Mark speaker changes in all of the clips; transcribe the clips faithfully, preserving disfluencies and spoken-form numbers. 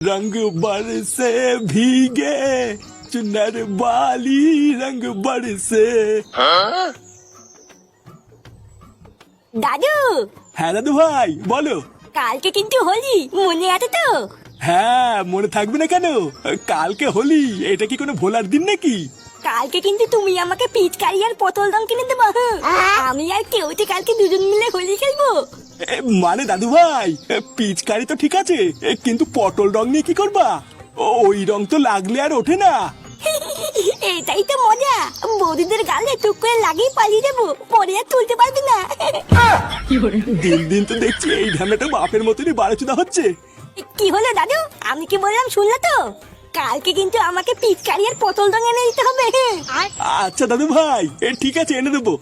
Speaker 1: रंग बरसे भीगे चुनर वाली रंग बरसे।
Speaker 2: দাদু,
Speaker 1: হ্যাঁ দাদু ভাই বলো।
Speaker 2: কালকে কিন্তু হোলি, মনে আছে তো?
Speaker 1: হ্যাঁ মনে থাকবে না কেন, কালকে হোলি, এটা কি কোনো ভোলার দিন নাকি?
Speaker 2: কালকে কিন্তু তুমি আমাকে পিচকারি আর পটল রং কিনে দেবো। আমি আর কেউতে কালকে দুজন মিলে হোলি খেলবো।
Speaker 1: এ, মানে দাদু ভাই পিচকারি তো ঠিক আছে, এ, কিন্তু পটল রং নিয়ে কি করবা? ও- ওই রং তো লাগলে আর ওঠে না।
Speaker 2: এটাই তো মজা, বৌদিদের গালে টুক করে লাগিয়ে পালিয়ে দেবো, পরে আর তুলতে পারবি না।
Speaker 1: দিন দিন তো দেখছি এই ঢামেটা বাপের মতনই বাড়াচুদা হচ্ছে।
Speaker 2: কি হলো দাদু, আমি কি বললাম শুনলে তো? কালকে কিন্তু আমাকে পিচকারি আর পটল রং এনে দিতে হবে।
Speaker 1: আচ্ছা দাদু ভাই এ, ঠিক আছে এনে দেবো।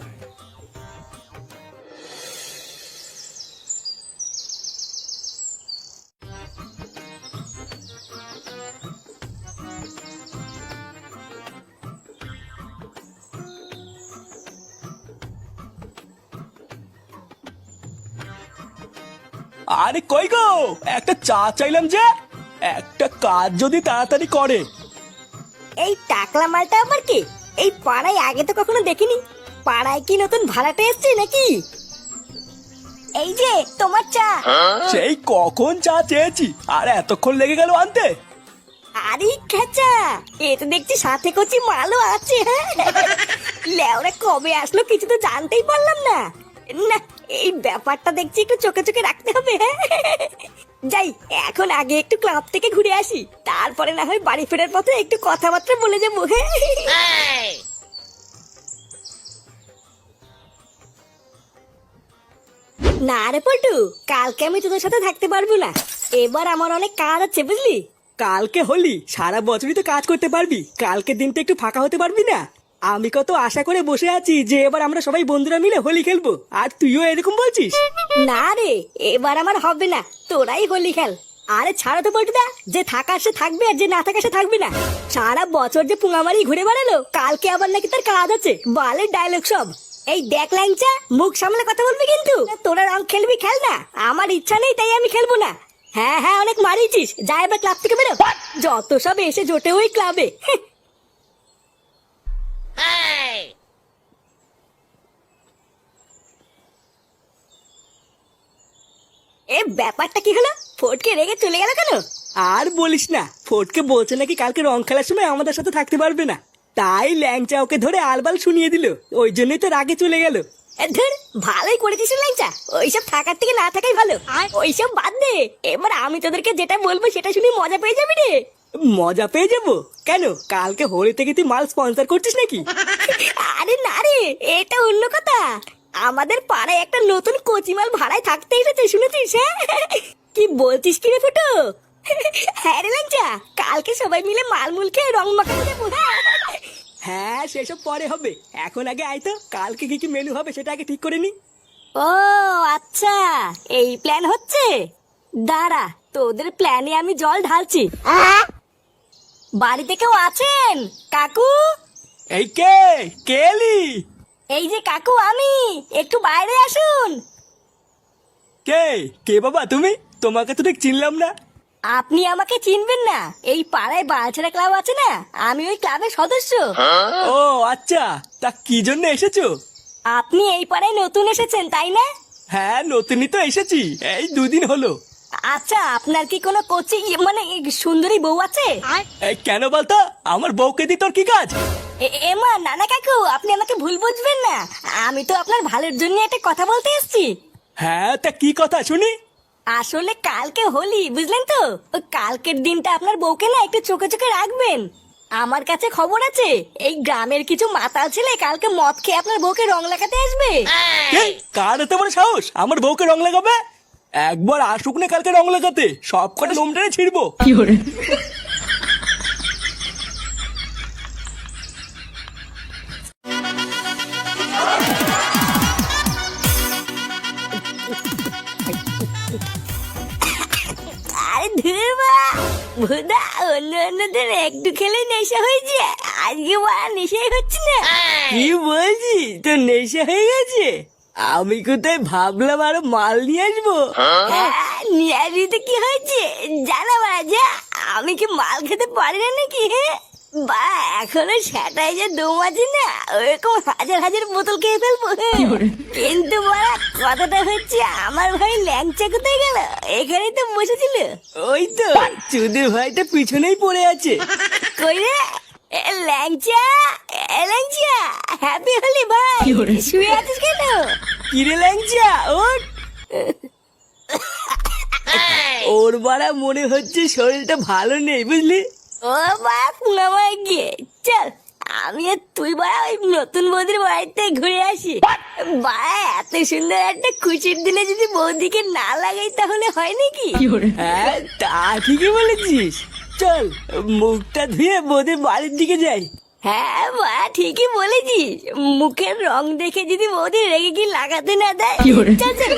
Speaker 1: আরে কই গো, একটা চা চাইলাম যে, একটা কাজ যদি তাড়াতাড়ি করে।
Speaker 2: এই টাকলা মালটা আবার কি? এই পাড়ায় আগে তো কখনো দেখিনি। পাড়ায় কি নতুন ভাড়াটে এসছে নাকি? এই যে তোমার চা।
Speaker 1: সেই কখন চা চেয়েছি আর এতক্ষণ লেগে গেল আনতে।
Speaker 2: আরে খেচা, এ তো দেখছি সাথে কচি মালও আছে। হ্যাঁ, লেওরা কবে আসলো কিছু তো জানতেই পারলাম না। না, এই ব্যাপারটা দেখছি একটু চোখে চোখে রাখতে হবে। হ্যাঁ, যাই এখন আগে একটু ক্লাব থেকে ঘুরে আসি, তারপরে না হয় বাড়ি ফেরার পথে একটু কথাবার্তা বলে যাবো। হ্যাঁ, না রে পল্টু, কালকে আমি তোদের সাথে থাকতে পারবো না। এবার আমার অনেক কাজ আছে বুঝলি।
Speaker 1: কালকে হোলি, সারা বছরই তো কাজ করতে পারবি, কালকে দিনটা একটু ফাঁকা হতে পারবি না? আমি কত আশা করে বসে আছি যে এবার আমরা সবাই বন্ধুরা মিলে হোলি খেলবো, আর তুইও এরকম বলছিস?
Speaker 2: না রে, এবার আমার হবে না, তোরাই হোলি খেল। আরে ছাড়ো তো পল্টুদা, যে থাকার সে থাকবে আর যে না থাকার সে থাকবে না। সারা বছর যে পুঙামারি ঘুরে বেড়ালো, কালকে আবার নাকি তার কাজ আছে, বালের ডায়লগ সব। এই দেখ ল্যাংচা, মুখ সামলে কথা বলবি কিন্তু। তোরা রং খেলবি খেল না, আমার ইচ্ছা নেই তাই আমি খেলবো না। হ্যাঁ হ্যাঁ অনেক মারিয়েছিস, যা এবার ক্লাব থেকে বেরো। যত সব এসে জোটে ওই ক্লাবে। এ ব্যাপারটা কি হলো, ফটকে রেগে চলে গেল কেন?
Speaker 1: আর বলিস না, ফটকে বলছে নাকি কালকে রং খেলার সময় আমাদের সাথে থাকতে পারবে না, তাই ল্যাংচা ওকে ধরে আলবাল শুনিয়ে দিল, ওই জন্যই তো রাগে চলে গেল।
Speaker 2: এ ধুর, ভালোই করেছিস ল্যাংচা, ওইসব থাকার থেকে না থাকাই ভালো। ওইসব বাদ দে, এবার আমি তোদেরকে যেটা বলবো সেটা শুনে মজা পেয়ে যাবি রে।
Speaker 1: মজা পেয়ে যাবো কেন? কালকে হোলি থেকে তুই মাল স্পন্সর করছিস নাকি?
Speaker 2: আরে না রে, এটা অন্য কথা। আমাদের পাড়ায় একটা নতুন কচিমাল ভাড়ায় থাকতে এসেছে, শুনেছিস? হ্যাঁ, কি বলছিস কি রে ফুটো? হ্যাঁ রে ল্যাংচা, কালকে সবাই মিলে মালমুল খেয়ে রং মাখাতে যাবো।
Speaker 1: হ্যাঁ সেসব পরে হবে, এখন আগে আয় তো, কালকে কি কি মেনু হবে সেটা আগে ঠিক করে নি।
Speaker 2: ও আচ্ছা, এই প্ল্যান হচ্ছে। দাঁড়া, তোদের প্ল্যানে আমি জল ঢালছি। বাড়িতে কেউ আছেন কাকু?
Speaker 1: এই কে কেলি?
Speaker 2: এই যে কাকু আমি, একটু বাইরে আসুন।
Speaker 1: কে কে বাবা তুমি? তোমাকে তো ঠিক চিনলাম না।
Speaker 2: আপনি আমাকে চিনবেন না? এই পাড়ায় বালছেড়া ক্লাব আছে না, আমি ওই ক্লাবের সদস্য।
Speaker 1: ও আচ্ছা, তা কি জন্য এসেছো?
Speaker 2: আপনি এই পাড়ায় নতুন এসেছেন তাই না?
Speaker 1: হ্যাঁ নতুনই তো এসেছি, এই দুদিন হলো।
Speaker 2: আচ্ছা, আপনার কি কোনো কোচি মানে সুন্দরী বউ আছে?
Speaker 1: এই কেন বলতো, আমার বউকে দি তোর কি কাজ?
Speaker 2: এ- এমা নানা কাকু, আপনি আমাকে ভুল বুঝবেন না, আমি তো আপনার ভালোর জন্য একটা কথা বলতে এসেছি।
Speaker 1: হ্যাঁ তা কি কথা শুনি?
Speaker 2: আসলে কালকে হোলি বুঝলেন তো, ওই কালকের দিনটা আপনার বউকে না একটু চোখে চোখে রাখবেন। আমার কাছে খবর আছে, এই গ্রামের কিছু মাতাল ছেলে কালকে মদ খেয়ে আপনার বউকে রং লাগাতে আসবে।
Speaker 1: কে? কার এত বড় সাহস আমার বউকে রং লাগাবে? একবার আসুক না কালকে রং লাগাতে, সব কটা লোমটারে ছিড়বো।
Speaker 2: আরে ধুর বা, ভুদা অন্য অন্যদের একটু খেলে নেশা হয়েছে, আজকে বড় নেশাই হচ্ছে না।
Speaker 1: কি বলছিস, তোর নেশা হয়ে গেছে? আমি কোথায় ভাবলাম আরো মাল নিয়ে আসবো।
Speaker 2: হ্যাঁ, নিয়ে আসবি তো কি হয়েছে, জানা মারা যা, আমি কি মাল খেতে পারি না নাকি? হ্যাঁ বা এখনো সেটাই যে দম আছে না, ওরকম হাজার হাজার বোতল খেয়ে ফেলবো। কিন্তু বাড়া কথাটা হচ্ছে, আমার ভাই ল্যাংচা কোথায় গেল? এখানেই তো বসেছিল।
Speaker 1: ওই তো চুদির ভাইটা পিছনেই পড়ে আছে।
Speaker 2: কই রে এ ল্যাংচা, এ ল্যাংচা, হ্যাপি হলি ভাই, শুয়ে আছিস কেন?
Speaker 1: কিরে ল্যাংচা ওঠ। ওর বাড়া মনে হচ্ছে শরীরটা ভালো নেই বুঝলি।
Speaker 2: ও বাপ নামায় গিয়ে চল, আমি আর তুই বাড়া ওই নতুন বৌদির বাড়িতে ঘুরে আসি। বাড়া এত সুন্দর একটা খুশির দিনে যদি বৌদিকে না লাগাই তাহলে হয় নাকি?
Speaker 1: হ্যাঁ তা ঠিকই বলেছিস, চল মুখটা ধুয়ে বোধে বাড়ির দিকে যাই।
Speaker 2: হ্যাঁ বা ঠিকই বলেছিস, মুখের রং দেখে যদি বৌদি রেগে কি লাগাতে না দেয়। চল চল।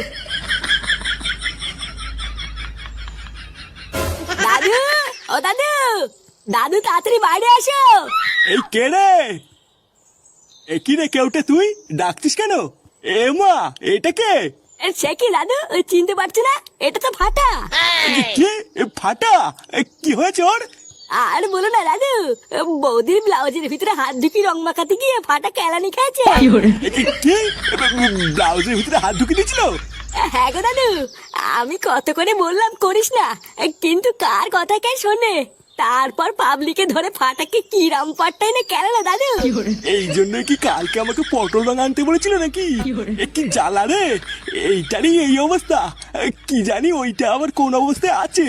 Speaker 2: দাদু, ও দাদু, দাদু তাড়াতাড়ি বাইরে আসো।
Speaker 3: এই কে রে? এ কি রে, কেউটা তুই ডাকছিস কেন? এ মা, এটা কে?
Speaker 2: এ, সে কি দাদু, চিনতে পারছো না? এটা তো ফাটা।
Speaker 3: কে? এ ফাটা? এ কি হয়েছে ওর?
Speaker 2: আর বলো না দাদু, বৌদির ব্লাউজের ভিতরে হাত ঢুকি রং মাখাতে গিয়ে ফাটা কেলানি খেয়েছে।
Speaker 3: এ কি কি? এ, ব্লাউজের ভিতরে হাত ঢুকে দিয়েছিল?
Speaker 2: হ্যাঁ গো দাদু, আমি কত করে বললাম করিস না, কিন্তু কার কথা কে শোনে? তারপর পাবলিকে ধরে ফাটাকে কি রাম পাট্টাই না কেন দাদু।
Speaker 3: এই জন্য কি কালকে আমাকে পটল রং আনতে বলেছিল নাকি? এ কি জ্বালা রে, এইটারই এই অবস্থা। এ, কি জানি ওইটা আবার কোন অবস্থায় আছে।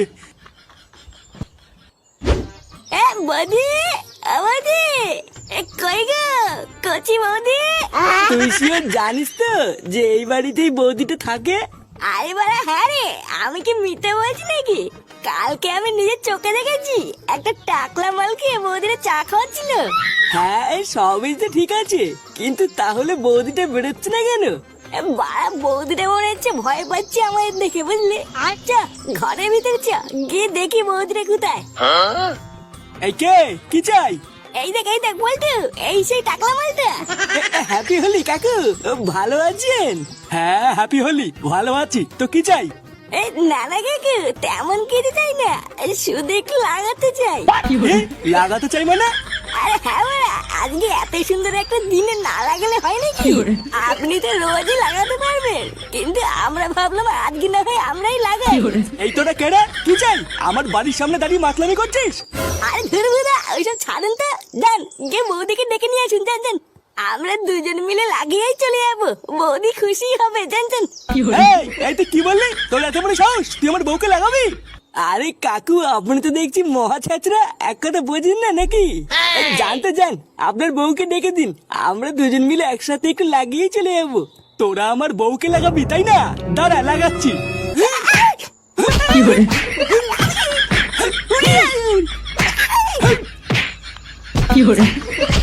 Speaker 2: এ বৌদি, ও বৌদি, এ কই গো কচি বৌদি?
Speaker 1: তুই শিওর জানিস তো যে এই বাড়িতেই বৌদিটা থাকে?
Speaker 2: আরে বাড়া হ্যাঁ রে, আমি কি মিথ্যে বলছি নাকি? কালকে আমি নিজের চোখে দেখেছি, একটা টাকলা মালকে বৌদিরা চা খাওয়াচ্ছিল।
Speaker 1: হ্যাঁ এই সবই তো ঠিক আছে, কিন্তু তাহলে বৌদিটা বেরোচ্ছে না কেন?
Speaker 2: এ বাড়া বৌদিটা মনে হচ্ছে ভয় পাচ্ছে আমাদের দেখে, বুঝলি? আচ্ছা ঘরের ভিতরে চা, গিয়ে দেখি বৌদিটা কোথায়।
Speaker 3: এই কে, কি চাই?
Speaker 2: এই দেখ এই দেখ বলতো, এই সেই টাকলা মালটা।
Speaker 1: হ্যাপি হলি কাকু, ভালো আছেন?
Speaker 3: হ্যাঁ হ্যাপি হলি, ভালো আছি, তো কি চাই?
Speaker 2: এই নানা কাকু তেমন কিছু চাই না, শুধু একটু লাগাতে চাই।
Speaker 3: এ, লাগাতে চাই মানে?
Speaker 2: আরে হ্যাঁ বাড়া, আজকে এত সুন্দর একটা দিনে না লাগালে হয় নাকি? আপনি তো রোজই লাগাতে পারবেন, কিন্তু আমরা ভাবলাম আজকে না হয় আমরাই লাগাই।
Speaker 3: এই তোরা কেডা, কি চাই? আমার বাড়ির সামনে দাঁড়িয়ে মাতলামি করছিস?
Speaker 2: আরে ধরবো না ওইসব ছাড়েন তো, যান গিয়ে বৌদিকে ডেকে নিয়ে আসুন, যান যান। আমরা দুজন মিলে লাগিয়েই চলে যাবো, বৌদি খুশি হবে, জান জান।
Speaker 3: এই, এই তুই কি বললি? তোর এত বড় সাহস, তুই আমার বউকে লাগাবি?
Speaker 1: আরে কাকু আপনি তো দেখছি মহা ছাত্রা, এক কথা বোঝেন না নাকি? এই জানতে যান, আপনার বউকে ডেকে দিন, আমরা দুজন মিলে একসাথে একটু লাগিয়ে চলে যাবো।
Speaker 3: তোরা আমার বউকে লাগাবি তাই না? দাঁড়া লাগাচ্ছি।
Speaker 2: কি